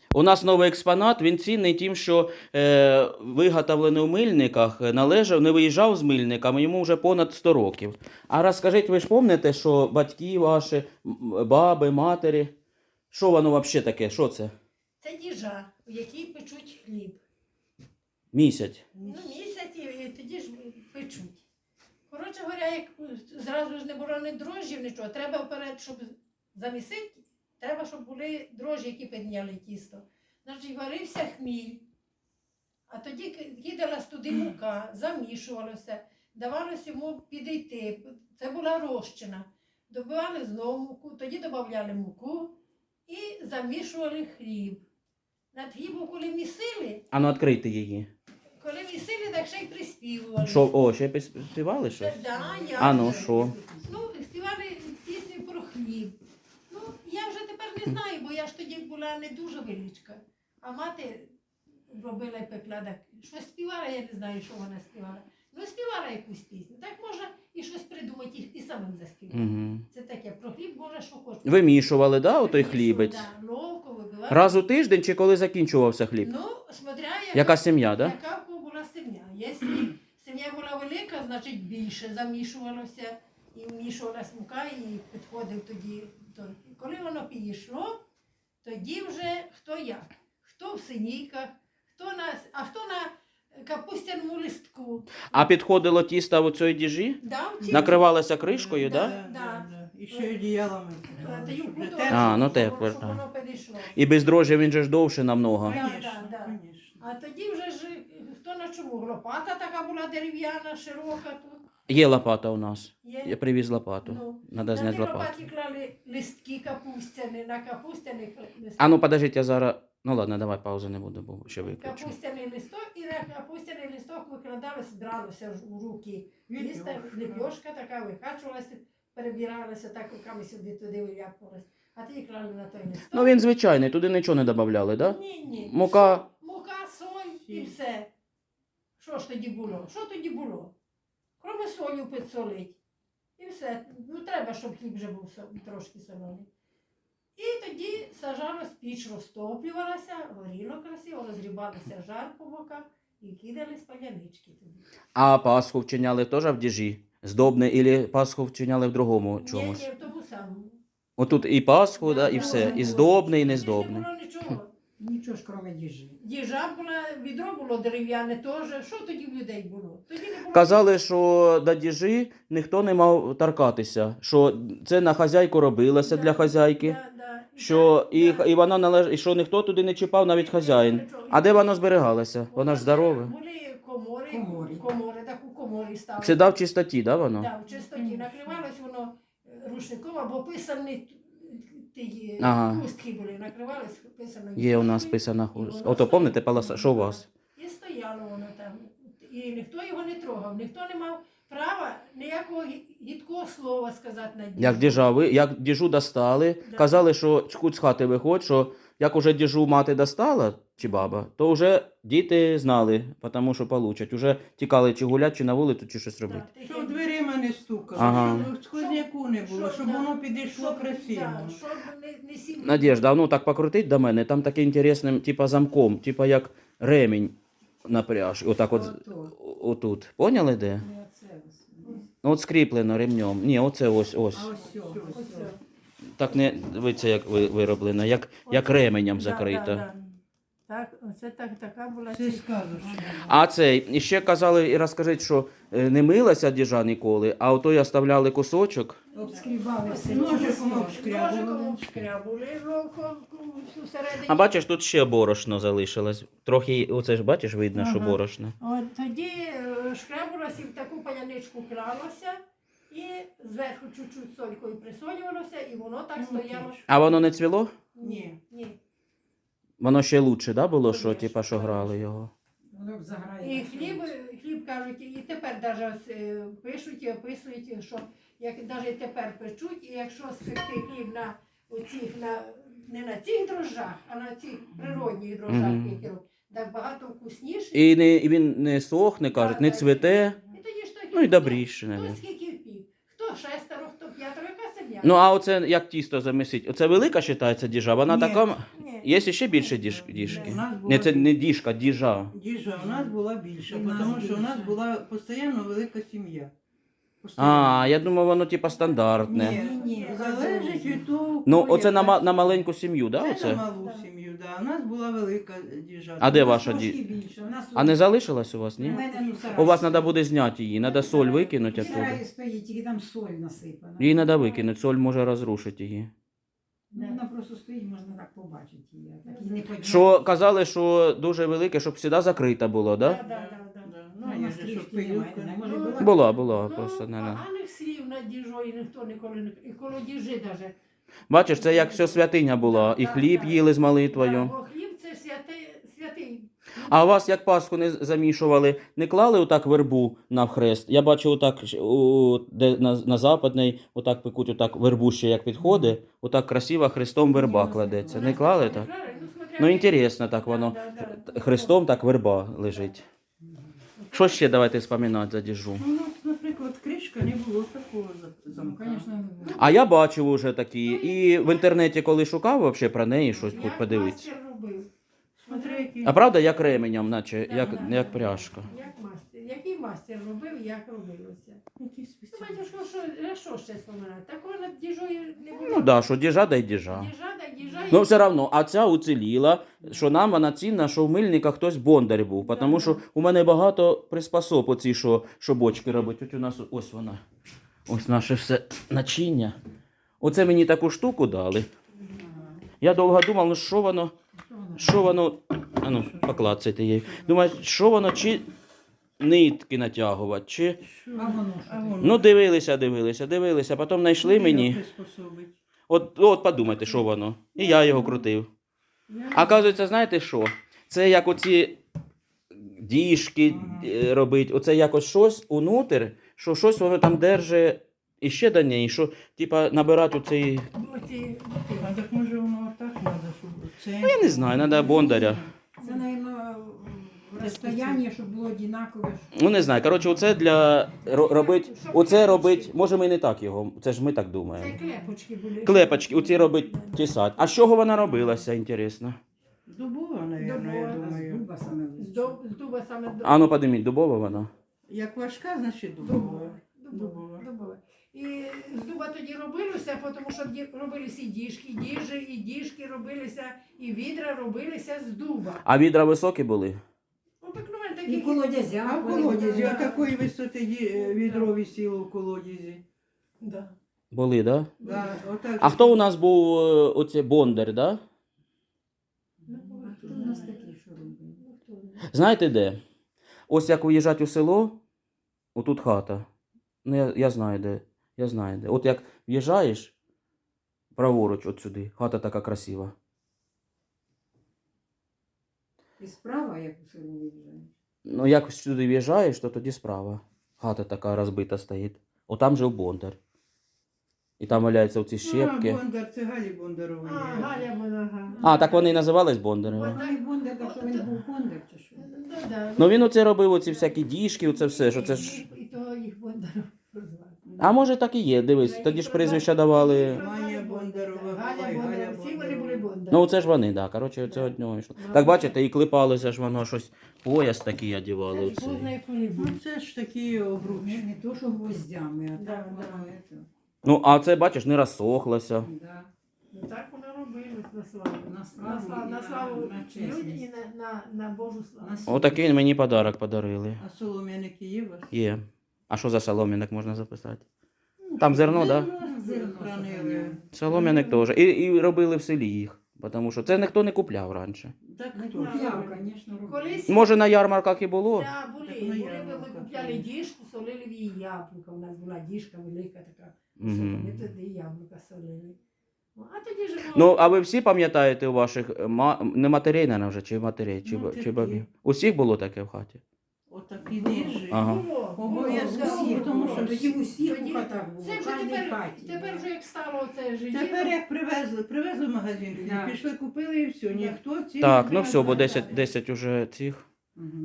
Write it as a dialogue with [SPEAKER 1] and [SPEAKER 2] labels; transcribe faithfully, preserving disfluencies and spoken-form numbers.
[SPEAKER 1] У нас новий експонат, він цінний тим, що е, виготовлений у мильниках, належав, не виїжджав з мильниками, йому вже понад сто років. А розкажіть, ви ж пам'ятаєте, що батьки ваші, м, баби, матері, що воно взагалі таке, що це?
[SPEAKER 2] Це діжа, в якій печуть хліб.
[SPEAKER 1] Місяць.
[SPEAKER 2] Ну, місяць і, і тоді ж печуть. Коротше говоря, як зразу ж не було ні дрожжів, нічого. Треба вперед, щоб замісити, треба, щоб були дрожжі, які підняли тісто. Значить, варився хміль, а тоді ки- кидалась туди мука, замішувалося, давалося йому підійти. Це була розчина. Добивали знову муку, тоді додавали муку і замішували хліб. Над хлібом, коли місили,
[SPEAKER 1] А ну відкрийте її.
[SPEAKER 2] коли місили, так ще й приспівували.
[SPEAKER 1] Що, о, ще й співали щось?
[SPEAKER 2] Да, я
[SPEAKER 1] А ну
[SPEAKER 2] вже.
[SPEAKER 1] що?
[SPEAKER 2] Ну, співали пісню про хліб. Ну, я вже тепер не знаю, бо я ж тоді була не дуже величка. А мати робила і пекла, так щось співала, я не знаю, що вона співала. Ну, співала якусь пісню. Так можна і щось придумати, і, і самим заспівати.
[SPEAKER 1] Угу.
[SPEAKER 2] Це таке, про хліб можна що хочеш.
[SPEAKER 1] Вимішували, да, отой
[SPEAKER 2] Вимішували,
[SPEAKER 1] хлібець?
[SPEAKER 2] Да, ловко вибивали.
[SPEAKER 1] Раз у тиждень чи коли закінчувався хліб?
[SPEAKER 2] Ну, смотря яка,
[SPEAKER 1] Яка сім'я, да?
[SPEAKER 2] яка в кого була сім'я. Якщо сім'я була велика, значить більше замішувалося і вмішувалась мука, і підходив тоді. той. Коли воно підійшло, тоді вже хто як. Хто в синійках, хто на, а хто на капустяному листку.
[SPEAKER 1] А підходило тісто в цій діжі?
[SPEAKER 2] Да, в цій-
[SPEAKER 1] Накривалося кришкою,
[SPEAKER 2] Да.
[SPEAKER 1] да?
[SPEAKER 2] Да.
[SPEAKER 3] І ще й одіялами.
[SPEAKER 2] Е, та й
[SPEAKER 3] Щоб
[SPEAKER 2] укутували,
[SPEAKER 3] тепло.
[SPEAKER 1] А, ну
[SPEAKER 2] щоб
[SPEAKER 1] тепло,
[SPEAKER 2] воно- щоб
[SPEAKER 1] так.
[SPEAKER 2] воно підійшло.
[SPEAKER 1] І без дрожжів він же ж довше намного.
[SPEAKER 2] Да,
[SPEAKER 3] Конечно,
[SPEAKER 2] да, да.
[SPEAKER 3] конечно.
[SPEAKER 2] А тоді вже ж хто на чому? Лопата така була дерев'яна, широка тут.
[SPEAKER 1] Є лопата у нас.
[SPEAKER 2] Є.
[SPEAKER 1] Я привіз лопату.
[SPEAKER 2] Ну,
[SPEAKER 1] Надо
[SPEAKER 2] на
[SPEAKER 1] зняти
[SPEAKER 2] ті
[SPEAKER 1] лопату.
[SPEAKER 2] лопаті клали листки капустяні, на капустяних листках.
[SPEAKER 1] А ну подождіть, я зараз. Ну ладно, давай паузу не буду, бо ще виключу.
[SPEAKER 2] Капустяний листок і на капустяний листок викладалось, бралося ж у руки.
[SPEAKER 3] Ліпьошка.
[SPEAKER 2] Листа, ліпьошка така викачувалася, перебиралася, так руками сюди туди виляпувалась. А ті клали на той листок.
[SPEAKER 1] Ну він звичайний, туди нічого не додавали, да?
[SPEAKER 2] Ні, ні.
[SPEAKER 1] Мука.
[SPEAKER 2] Со- Мука, соль і
[SPEAKER 3] Сіль.
[SPEAKER 2] все. Що ж тоді було? Що тоді було? Кроме солі підсолить. І все. Ну треба, щоб хліб вже був со- трошки солений. І тоді сажалась піч, розтоплювалася, горіло красиво, розрібалося жар по боках і кидались палянички туди.
[SPEAKER 1] А Пасху вчиняли теж в діжі? Здобне, і Пасху вчиняли в другому чомусь?
[SPEAKER 2] Ні, ні, в тому самому.
[SPEAKER 1] Отут і Пасху, да, і
[SPEAKER 2] Да,
[SPEAKER 1] все.
[SPEAKER 2] да,
[SPEAKER 1] І
[SPEAKER 2] да.
[SPEAKER 1] здобне, і
[SPEAKER 2] Тоді
[SPEAKER 1] нездобне.
[SPEAKER 2] Не було нічого.
[SPEAKER 3] Нічого ж кроме діжі.
[SPEAKER 2] Діжа була, відро було дерев'яне теж. Що тоді в людей було? Тоді не було.
[SPEAKER 1] Казали, що до діжі ніхто не мав торкатися, що це на хазяйку робилося
[SPEAKER 2] Да,
[SPEAKER 1] для хазяйки,
[SPEAKER 2] да, да. І
[SPEAKER 1] що,
[SPEAKER 2] так,
[SPEAKER 1] і,
[SPEAKER 2] да.
[SPEAKER 1] і, вона належ... і що ніхто туди не чіпав, навіть хазяїн. А де воно зберігалося? Воно ж здорове.
[SPEAKER 2] Були комори,
[SPEAKER 3] Коморі.
[SPEAKER 2] комори, так у коморі ставили.
[SPEAKER 1] Це дав чистоті, да, воно?
[SPEAKER 2] Да, в чистоті. Накривалось воно е, рушником або писані ті
[SPEAKER 1] Ага.
[SPEAKER 2] хустки були, накривалось писаною.
[SPEAKER 1] Є у нас
[SPEAKER 2] хусткою,
[SPEAKER 1] писана
[SPEAKER 2] і
[SPEAKER 1] хустка.
[SPEAKER 2] воно
[SPEAKER 1] Ото
[SPEAKER 2] стояло.
[SPEAKER 1] пам'ятаєте, паласа, що у вас?
[SPEAKER 2] І стояло воно там. І ніхто його не трогав, ніхто не мав права ніякого гі- гідкого слова сказати на дні.
[SPEAKER 1] Як діжа, ви, як діжу достали,
[SPEAKER 2] Да.
[SPEAKER 1] казали, що чкуть з хати виходь, що як уже діжу мати достала, чи баба, то вже діти знали, тому що получать. Уже тікали чи гулять, чи на вулицю, чи щось робити.
[SPEAKER 2] Да,
[SPEAKER 3] Щоб дверима не стукали,
[SPEAKER 1] Ага.
[SPEAKER 3] щоб сквозняку не було, щоб
[SPEAKER 2] да,
[SPEAKER 3] воно підійшло
[SPEAKER 2] щоб,
[SPEAKER 3] красиво.
[SPEAKER 2] Да, щоб не, не сім...
[SPEAKER 1] Надежда, а ну так покрутить до мене, там таке інтересним, типа замком, типа як ремінь на пряж. Отак от,
[SPEAKER 3] Ото.
[SPEAKER 1] отут. Поняли де?
[SPEAKER 3] Не оце ось.
[SPEAKER 1] Ну от скріплено ремнем. Ні, оце ось, ось.
[SPEAKER 3] А ось сьо, ось
[SPEAKER 2] Ось
[SPEAKER 3] сьо.
[SPEAKER 2] це.
[SPEAKER 1] Так не, дивіться, як ви- вироблено, як, як ременем
[SPEAKER 2] Да,
[SPEAKER 1] закрито.
[SPEAKER 2] да, да. Так, оце так, така була
[SPEAKER 3] Це
[SPEAKER 2] ці-
[SPEAKER 3] скажеш.
[SPEAKER 1] А цей, і ще казали, і розкажіть, що е, не милася діжа ніколи, а ото й оставляли кусочок.
[SPEAKER 3] Обскрібали все,
[SPEAKER 2] Ножиком
[SPEAKER 3] ножиком
[SPEAKER 2] Ножиком
[SPEAKER 3] обшкрябували.
[SPEAKER 2] обшкрябували, ловко всередині.
[SPEAKER 1] А бачиш, тут ще борошно залишилось. Трохи, оце ж бачиш, видно, що
[SPEAKER 2] Ага.
[SPEAKER 1] борошно.
[SPEAKER 2] От тоді е, шкрябалося і в таку паляничку клалося, і зверху чуть-чуть солькою присолювалося, і воно так
[SPEAKER 3] Ну,
[SPEAKER 2] стояло.
[SPEAKER 3] тіш.
[SPEAKER 1] А воно не цвіло?
[SPEAKER 3] Ні.
[SPEAKER 2] Ні.
[SPEAKER 1] Воно ще лучше, да, було, що,
[SPEAKER 2] Конечно,
[SPEAKER 1] типа, що грали
[SPEAKER 2] конечно.
[SPEAKER 1] його?
[SPEAKER 3] Воно б заграє.
[SPEAKER 2] І хліб, хліб кажуть, і тепер навіть пишуть і описують, що як навіть тепер печуть, і якщо спекти хліб на оцих, на, не на цих дрожжах, а на цих природних дрожжах,
[SPEAKER 1] Мгм.
[SPEAKER 2] які роблять, так багато вкусніше.
[SPEAKER 1] І, не, і він не сохне, кажуть, не
[SPEAKER 2] Так,
[SPEAKER 1] цвіте.
[SPEAKER 2] І тоді ж так,
[SPEAKER 1] Ну і
[SPEAKER 2] хто-
[SPEAKER 1] добріше,
[SPEAKER 2] Хто
[SPEAKER 1] навіть.
[SPEAKER 2] скільки впік, хто шестеро, хто п'ятеро, яка сім'я.
[SPEAKER 1] Ну, а оце як тісто замісить? Оце велика вважається діжа, вона
[SPEAKER 3] Ні.
[SPEAKER 1] така.
[SPEAKER 2] Ні,
[SPEAKER 1] Є ще більше діж, діжки?
[SPEAKER 4] У нас була
[SPEAKER 1] Не, це не діжка, діжа.
[SPEAKER 4] діжа, у нас була більша,
[SPEAKER 3] І в нас
[SPEAKER 4] тому що у нас
[SPEAKER 3] більша.
[SPEAKER 4] була постійно велика сім'я.
[SPEAKER 1] А, я думав, воно типа стандартне.
[SPEAKER 4] Ні,
[SPEAKER 3] Ні, ні,
[SPEAKER 4] залежить від того,
[SPEAKER 1] Ну,
[SPEAKER 4] хто
[SPEAKER 1] оце на, ма-
[SPEAKER 4] яка.
[SPEAKER 1] на маленьку сім'ю, да,
[SPEAKER 4] Це
[SPEAKER 1] оце?
[SPEAKER 4] на малу сім'ю, да. У нас була велика діжа.
[SPEAKER 1] А де
[SPEAKER 3] У нас
[SPEAKER 1] ваша
[SPEAKER 3] трошки
[SPEAKER 1] ді-
[SPEAKER 3] більше. У нас
[SPEAKER 1] А не залишилась у вас,
[SPEAKER 3] У
[SPEAKER 1] ні?
[SPEAKER 3] мене, ну,
[SPEAKER 1] У вас
[SPEAKER 3] сарай
[SPEAKER 1] треба буде зняти її, треба соль викинути
[SPEAKER 3] стоїть. Сарай
[SPEAKER 1] оттуда.
[SPEAKER 3] стоїть, тільки там соль насипана.
[SPEAKER 1] Її треба викинути, соль може розрушити її.
[SPEAKER 3] Ну, вона просто стоїть, можна так побачити її. а Так її не підняти.
[SPEAKER 1] Що казали, що дуже велике, щоб завжди закрита було,
[SPEAKER 2] Да,
[SPEAKER 1] да?
[SPEAKER 2] да, да, да.
[SPEAKER 4] Да.
[SPEAKER 3] Ну,
[SPEAKER 4] Ну,
[SPEAKER 3] у
[SPEAKER 4] є
[SPEAKER 3] нас
[SPEAKER 4] же,
[SPEAKER 3] трішки
[SPEAKER 4] щоб
[SPEAKER 3] немає,
[SPEAKER 4] пилюка.
[SPEAKER 3] не може
[SPEAKER 2] Ну,
[SPEAKER 3] була.
[SPEAKER 1] Була, була,
[SPEAKER 2] Ну,
[SPEAKER 1] просто не. не.
[SPEAKER 2] поганих слів над діжою ніхто ніколи не... І коло діжи даже.
[SPEAKER 1] Бачиш, це як все святиня була, і хліб їли з
[SPEAKER 2] Да,
[SPEAKER 1] молитвою.
[SPEAKER 2] бо хліб це святий, святий.
[SPEAKER 1] А у вас як Пасху не замішували, не клали отак вербу на хрест? Я бачу отак, ж, у, де на, на западний, отак пекуть, отак вербу ще як підходить, отак красиво хрестом верба кладеться. Не клали так? Ну, інтересно так воно. Хрестом так верба лежить. Що ще давайте споминати за діжу?
[SPEAKER 4] Ну, у нас, наприклад, кришка не було такого за-
[SPEAKER 3] Ну,
[SPEAKER 4] замка.
[SPEAKER 3] звісно, не було.
[SPEAKER 1] А я бачив уже такі. І в інтернеті, коли шукав вообще про неї щось
[SPEAKER 2] Як
[SPEAKER 1] подивитися.
[SPEAKER 2] мастер робив.
[SPEAKER 4] Смотри, які...
[SPEAKER 1] А правда, як ременем, наче,
[SPEAKER 2] Да,
[SPEAKER 1] як,
[SPEAKER 2] да,
[SPEAKER 1] як
[SPEAKER 2] да.
[SPEAKER 1] пряжка.
[SPEAKER 2] Як мастер. Який мастер робив, як робилося.
[SPEAKER 4] які
[SPEAKER 2] Ну,
[SPEAKER 4] спеціальні.
[SPEAKER 2] батюшко, що, а що ще споминати? Такого над діжою не було.
[SPEAKER 1] Ну да, що діжа, да й діжа.
[SPEAKER 2] Діжа, да, діжа.
[SPEAKER 1] Ну,
[SPEAKER 2] і-
[SPEAKER 1] все одно, а ця уціліла, що нам вона цінна, що в мильниках хтось бондар був.
[SPEAKER 2] Да,
[SPEAKER 1] Тому
[SPEAKER 2] да.
[SPEAKER 1] що у мене багато приспособ оці, що, що бочки робить. Ось у нас ось вона. Ось наше все начиння. Оце мені таку штуку дали. Я довго думав, ну що воно, що воно. А ну, поклацайте її. Думаю, що воно, чи нитки натягувати, чи.
[SPEAKER 4] Що?
[SPEAKER 3] А воно що
[SPEAKER 4] А
[SPEAKER 3] таке?
[SPEAKER 4] воно?
[SPEAKER 1] Ну, дивилися, дивилися, дивилися, потім знайшли мені.
[SPEAKER 4] Приспособить.
[SPEAKER 1] От, от подумайте, що воно. І я його крутив. А оказується, знаєте що? Це як оці діжки е, робить, оце якось щось унутр, що щось воно там держить і ще до неї, що типа набирати оцей.
[SPEAKER 2] Оці-
[SPEAKER 4] А так може воно так треба, щоб це...
[SPEAKER 1] Ну, я не знаю, треба бондаря.
[SPEAKER 3] Це, мабуть, в розстоянні, щоб було однакове.
[SPEAKER 1] Ну не знаю. Коротше, оце для ро- робить. Оце робить. Може, ми не так його. Це ж ми так
[SPEAKER 2] Це
[SPEAKER 1] думаємо.
[SPEAKER 2] клепочки були.
[SPEAKER 1] Клепочки, оці робить тісать. А з чого вона робилася, інтересно?
[SPEAKER 4] Дубова, мабуть, я
[SPEAKER 2] Дубова.
[SPEAKER 3] З
[SPEAKER 4] думаю.
[SPEAKER 3] дуба саме
[SPEAKER 2] З
[SPEAKER 3] лучше.
[SPEAKER 2] дуб- з дуба саме до-
[SPEAKER 1] А ну подиміть, дубова вона.
[SPEAKER 4] Як важка, значить дубова.
[SPEAKER 2] Дубова.
[SPEAKER 4] Дубова.
[SPEAKER 2] Дубова. Дубова. І з дуба тоді робилося, тому що ді- робилися і діжки, діжі, і діжки робилися, і відра робилися з дуба.
[SPEAKER 1] А відра високі були?
[SPEAKER 2] Обикновенно
[SPEAKER 3] І
[SPEAKER 2] такі.
[SPEAKER 3] колодязя.
[SPEAKER 4] А в
[SPEAKER 3] вони
[SPEAKER 4] колодязі,
[SPEAKER 3] були.
[SPEAKER 4] а такої висоти ді- відро висіло в колодязі.
[SPEAKER 2] Да.
[SPEAKER 1] Були, да?
[SPEAKER 4] Да, отак.
[SPEAKER 1] А хто у нас був е, оце бондар, да?
[SPEAKER 2] Ну,
[SPEAKER 3] А хто у нас такий, що робить?
[SPEAKER 2] ну, хто знає.
[SPEAKER 1] Знаєте де? Ось як виїжджати у село, отут хата. Ну, я, я знаю де. Я знаю де. От як в'їжджаєш праворуч от сюди, хата така красива.
[SPEAKER 3] І справа, як у село виїжджає.
[SPEAKER 1] Ну, як сюди в'їжджаєш, то тоді справа. Хата така розбита стоїть. Отам жив бондар. І там валяються оці щепки.
[SPEAKER 4] А, Бондар, це Галі Бондарової.
[SPEAKER 2] А, Галя Монага.
[SPEAKER 1] А, так вони і називались бондарами.
[SPEAKER 3] Вона не бондар, так що він був бондар чи що?
[SPEAKER 2] Да, да.
[SPEAKER 1] Ну він оце робив, оці всякі діжки, оце все, що це ж.
[SPEAKER 2] І того їх Бондаров прозвали.
[SPEAKER 1] А може так і є, дивись, тоді ж прізвища давали.
[SPEAKER 4] Маня Бондарова була,
[SPEAKER 2] Галя
[SPEAKER 4] і Галя
[SPEAKER 2] Бондарова. Всі вони були
[SPEAKER 4] Бондарова.
[SPEAKER 2] Бондари.
[SPEAKER 1] Ну, це ж вони, так. Коротше, це од нього йшло. Так бачите, і клепалося ж воно щось. Пояс такий одягали.
[SPEAKER 2] Це ж
[SPEAKER 1] Оцей.
[SPEAKER 2] повний
[SPEAKER 4] Ну це ж такі обручі.
[SPEAKER 3] Не, не то, що гвоздями, а
[SPEAKER 2] Да,
[SPEAKER 3] так
[SPEAKER 2] да.
[SPEAKER 3] воно це.
[SPEAKER 1] Ну, а це, бачиш, не розсохлося.
[SPEAKER 3] Да.
[SPEAKER 2] Ну так воно робилось на славу.
[SPEAKER 3] На
[SPEAKER 2] На
[SPEAKER 3] славу,
[SPEAKER 2] славу,
[SPEAKER 3] і
[SPEAKER 2] на славу
[SPEAKER 3] на
[SPEAKER 2] людям і
[SPEAKER 3] чесність.
[SPEAKER 2] на, на, на Божу славу.
[SPEAKER 3] На
[SPEAKER 1] Отакий мені подарок подарили.
[SPEAKER 4] А солом'яники є у вас?
[SPEAKER 1] Є. А що за солом'яник можна записати? Там зерно, так? Да?
[SPEAKER 4] Зерно хранили.
[SPEAKER 1] Солом'яник теж. І, і робили в селі їх. Тому що це ніхто не купляв раніше.
[SPEAKER 4] Так
[SPEAKER 3] Не
[SPEAKER 4] хто ж?
[SPEAKER 3] купляв, звісно, робив.
[SPEAKER 2] Колись
[SPEAKER 1] Може, на ярмарках і було.
[SPEAKER 2] да, були,
[SPEAKER 4] Так на
[SPEAKER 2] були, ми,
[SPEAKER 4] ярмарках
[SPEAKER 2] ми купляли
[SPEAKER 4] є.
[SPEAKER 2] діжку, солили в її яблука. У нас була діжка велика така.
[SPEAKER 1] Мгм.
[SPEAKER 2] Ми тоді яблука солили. Ну, а тоді ж було-
[SPEAKER 1] Ну, а ви всі пам'ятаєте у ваших е, ма... не матерей, наверное, вже, чи матерей, чи,
[SPEAKER 4] Ну,
[SPEAKER 1] ба-
[SPEAKER 4] такі.
[SPEAKER 1] чи бабів? Усіх було таке в хаті?
[SPEAKER 4] Отакі діжі.
[SPEAKER 1] Ага.
[SPEAKER 2] Було, було,
[SPEAKER 4] Обов'язково,
[SPEAKER 2] було,
[SPEAKER 4] тому
[SPEAKER 2] було.
[SPEAKER 4] що
[SPEAKER 3] Тоді в усіх
[SPEAKER 2] Тоді-
[SPEAKER 3] у хатах було,
[SPEAKER 2] Це
[SPEAKER 3] в
[SPEAKER 2] вже
[SPEAKER 3] кожній
[SPEAKER 2] тепер,
[SPEAKER 3] хаті.
[SPEAKER 2] тепер
[SPEAKER 3] да.
[SPEAKER 2] вже як стало це життя.
[SPEAKER 4] Тепер як привезли, привезли в магазин,
[SPEAKER 3] Да.
[SPEAKER 4] пішли, купили і все. Ніхто ці
[SPEAKER 1] Так, ну все, бо десять, десять уже цих.
[SPEAKER 3] Мгм.